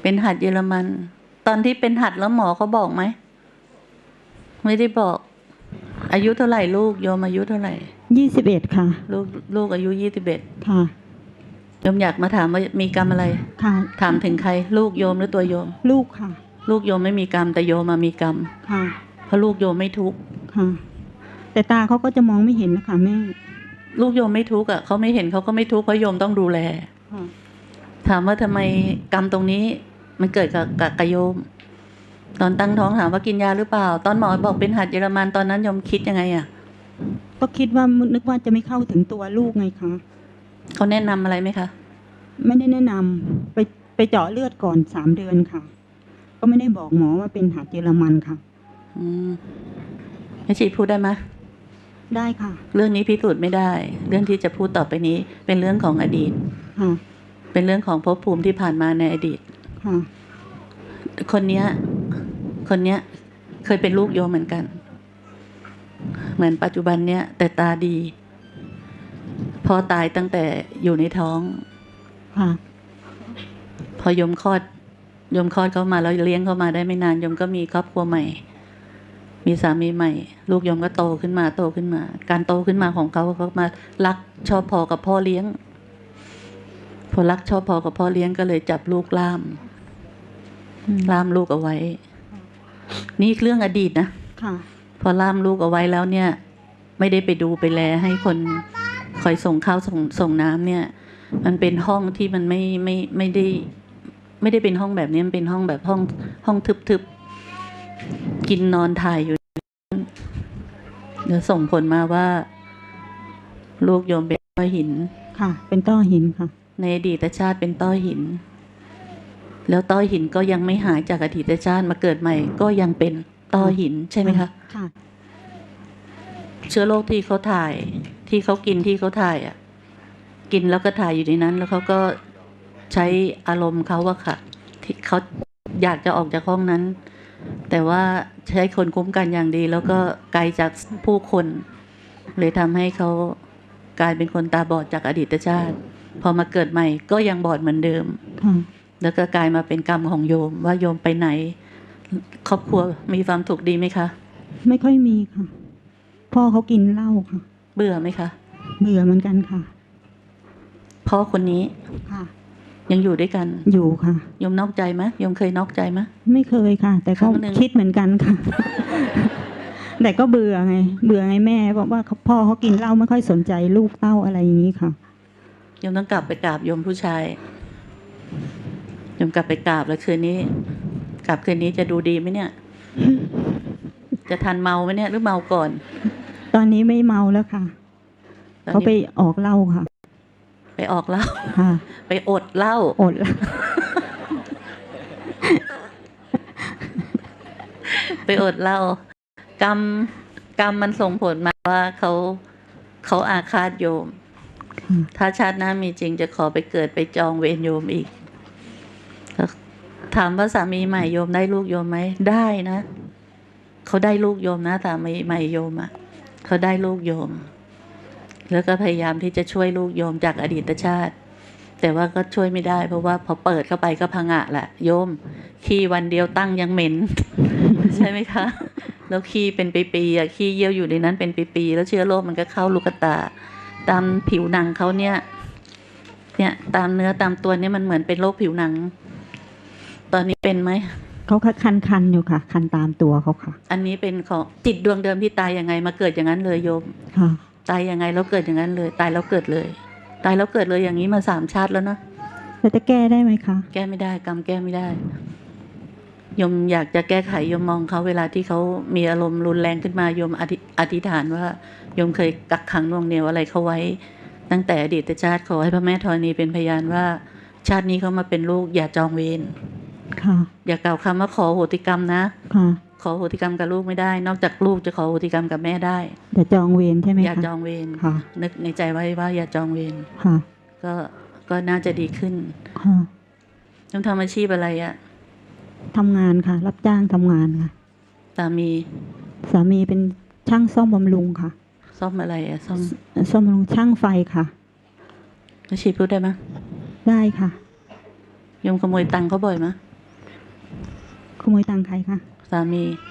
เป็นหัดเยอรมัน ตอนที่เป็นหัดแล้วหมอเขาบอกไหมไม่ได้บอก อายุเท่าไหร่ลูกโยมอายุเท่าไหร่ 21ค่ะลูกอายุ21 ค่ะโยมอยากมาถามว่ามีกรรมอะไรค่ะถามถึงใครลูกโยมหรือตัวโยมลูกค่ะลูกโยมไม่มีกรรมแต่โยมมามีกรรมค่ะเพราะลูกโยมไม่ทุกข์ค่ะแต่ตาเขาก็จะมองไม่เห็นนะคะแม่ลูกโยมไม่ทุกข์อ่ะเขาไม่เห็นเขาก็ไม่ทุกข์เพราะโยมต้องดูแลถามว่าทำไมกรรมตรงนี้มันเกิดกับโยมตอนตั้งท้องถามว่ากินยาหรือเปล่าตอนหมอบอกเป็นหัดเยอรมันตอนนั้นโยมคิดยังไงอ่ะก็คิดว่านึกว่าจะไม่เข้าถึงตัวลูกไงคะเขาแนะนำอะไรไหมคะไม่ได้แนะนำไปเจาะเลือดก่อน3 เดือนค่ะก็ไม่ได้บอกหมอว่าเป็นหัดเยอรมันค่ะแม่ชีพูดได้ไหมได้ค่ะเรื่องนี้พิสูจน์ไม่ได้เรื่องที่จะพูดต่อไปนี้เป็นเรื่องของอดีตเป็นเรื่องของภพภูมิที่ผ่านมาในอดีตคนเนี้ยเคยเป็นลูกโยมเหมือนกันเหมือนปัจจุบันเนี้ยแต่ตาดีพ่อตายตั้งแต่อยู่ในท้องพอโยมคลอดเข้ามาแล้วเลี้ยงเข้ามาได้ไม่นานโยมก็มีครอบครัวใหม่มีสามีใหม่ลูกโยมก็โตขึ้นมาการโตขึ้นมาของเขามารักชอบพอกับพ่อเลี้ยงพอรักชอบพอกับพ่อเลี้ยงก็เลยจับลูกล่ามลูกเอาไว้นี่เรื่องอดีตนะพอล่ามลูกเอาไว้แล้วเนี่ยไม่ได้ไปดูไปแลให้คนคอยส่งข้าวส่งน้ำเนี่ยมันเป็นห้องที่มันไม่ได้เป็นห้องแบบนี้มันเป็นห้องแบบห้องทึบๆกินนอนถ่ายอยู่เดี๋ยวส่งผลมาว่าลูกโยมเป็นต้อหินค่ะเป็นต้อหินค่ะในอดีตชาติเป็นต้อหินแล้วต้อหินก็ยังไม่หายจากอดีตชาติมาเกิดใหม่ก็ยังเป็นต้อหินใช่ไหมคะค่ะเชื้อโรคที่เขาถ่ายที่เขากินที่เขาถ่ายอ่ะกินแล้วก็ถ่ายอยู่ในนั้นแล้วเขาก็ใช้อารมณ์เขาว่าค่ะที่เขาอยากจะออกจากห้องนั้นแต่ว่าใช้คนคุ้มกันอย่างดีแล้วก็ไกลจากผู้คนเลยทำให้เขากลายเป็นคนตาบอดจากอดีตชาติพอมาเกิดใหม่ก็ยังบอดเหมือนเดิมแล้วก็กลายมาเป็นกรรมของโยมว่าโยมไปไหนครอบครัวมีความสุขดีไหมคะไม่ค่อยมีค่ะพ่อเขากินเหล้าค่ะเบื่อไหมคะเบื่อเหมือนกันค่ะพ่อคนนี้ค่ะยังอยู่ด้วยกันอยู่ค่ะโยมนอกใจไหมโยมเคยนอกใจไหมไม่เคยค่ะแต่เขาคิดเหมือนกันค่ะแต่ก็เบื่อไงแม่บอกว่าพ่อเขากินเหล้าไม่ค่อยสนใจลูกเต้าอะไรอย่างนี้ค่ะโยมต้องกลับไปกราบโยมผู้ชายโยมกลับไปกราบแล้วคืนนี้จะดูดีไหมเนี่ยจะทันเมาไหมเนี่ยหรือเมาก่อนตอนนี้ไม่เมาแล้วค่ะเขาไปออกเหล้าค่ะไปออกเหล้าค่ะไปอดเหล้าไปอดเหล้ากรรมมันส่งผลมาว่าเขาอาฆาตโยมถ้าชาติหน้ามีจริงจะขอไปเกิดไปจองเวรโยมอีกถามว่าสามีใหม่โยมได้ลูกโยมไหมได้นะเขาได้ลูกโยมนะสามีใหม่โยมอ่ะเขาได้ลูกโยมแล้วก็พยายามที่จะช่วยลูกโยมจากอดีตชาติแต่ว่าก็ช่วยไม่ได้เพราะว่าพอเปิดเข้าไปก็พังะแหละโยมขี้วันเดียวตั้งยังเหม็น ใช่ไหมคะแล้วขี้เป็นปีๆอ่ะขี้เยี่ยวอยู่ในนั้นเป็นปีๆแล้วเชื้อโรคมันก็เข้าลูกตาตามผิวหนังเขาเนี่ยตามเนื้อตามตัวเนี่ยมันเหมือนเป็นโรคผิวหนังตอนนี้เป็นไหมเขาคันอยู่ค่ะคันตามตัวเขาค่ะอันนี้เป็นของจิตดวงเดิมที่ตายยังไงมาเกิดอย่างนั้นเลยโยมค่ะตายยังไงแล้วเกิดอย่างนั้นเลยตายแล้วเกิดเลยอย่างนี้มา3 ชาติแล้วนะแล้วจะแก้ได้ไหมคะแก้ไม่ได้กรรมแก้ไม่ได้โยมอยากจะแก้ไขโยมมองเขาเวลาที่เขามีอารมณ์รุนแรงขึ้นมาโยมอธิษฐานว่าโยมเคยกักขังน่วงเหนี่ยวอะไรเขาไว้ตั้งแต่อดีตชาติขอให้พระแม่ธรณีเป็นพยานว่าชาตินี้เขามาเป็นลูกอย่าจองเวรอย่ากล่าวคำว่าขอโหติกรรมนะขอโหติกรรมกับลูกไม่ได้นอกจากลูกจะขอโหติกรรมกับแม่ได้อย่าจองเวรใช่ไหมคะอย่าจองเวรนึกในใจไว้ว่าอย่าจองเวรก็น่าจะดีขึ้นต้องทำอาชีพอะไรอะทำงานค่ะรับจ้างทำงานค่ะสามีเป็นช่างซ่อมบำรุงค่ะซ่อมอะไรอะซ่อมบำรุงช่างไฟค่ะอาชีพพูดได้ไหมได้ค่ะโยมขโมยตังค์เขาบ่อยไหมขโมยตังค์ใครคะสามี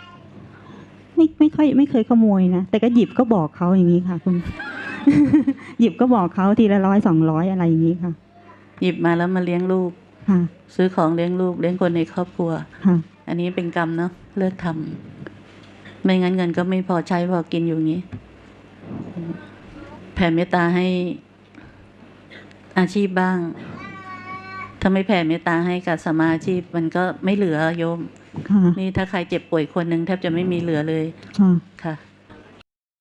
ไม่เคยขโมยนะแต่ก็หยิบก็บอกเขาอย่างนี้ค่ะคุณ หยิบก็บอกเขาทีละ100 200อะไรอย่างนี้ค่ะหยิบมาแล้วมาเลี้ยงลูกค่ะซื้อของเลี้ยงลูกเลี้ยงคนในครอบครัวค่ะอันนี้เป็นกรรมเนาะเลิกทำไม่งั้นเงินก็ไม่พอใช้พอกินอยู่อย่างนี้แผ่เมตตาให้อาชีพบ้าง ถ้าไม่แผ่เมตตาให้กับสมาอาชีพมันก็ไม่เหลือโยมค่ะนี่ถ้าใครเจ็บป่วยคนหนึ่งแทบจะไม่มีเหลือเลยค่ะค่ะ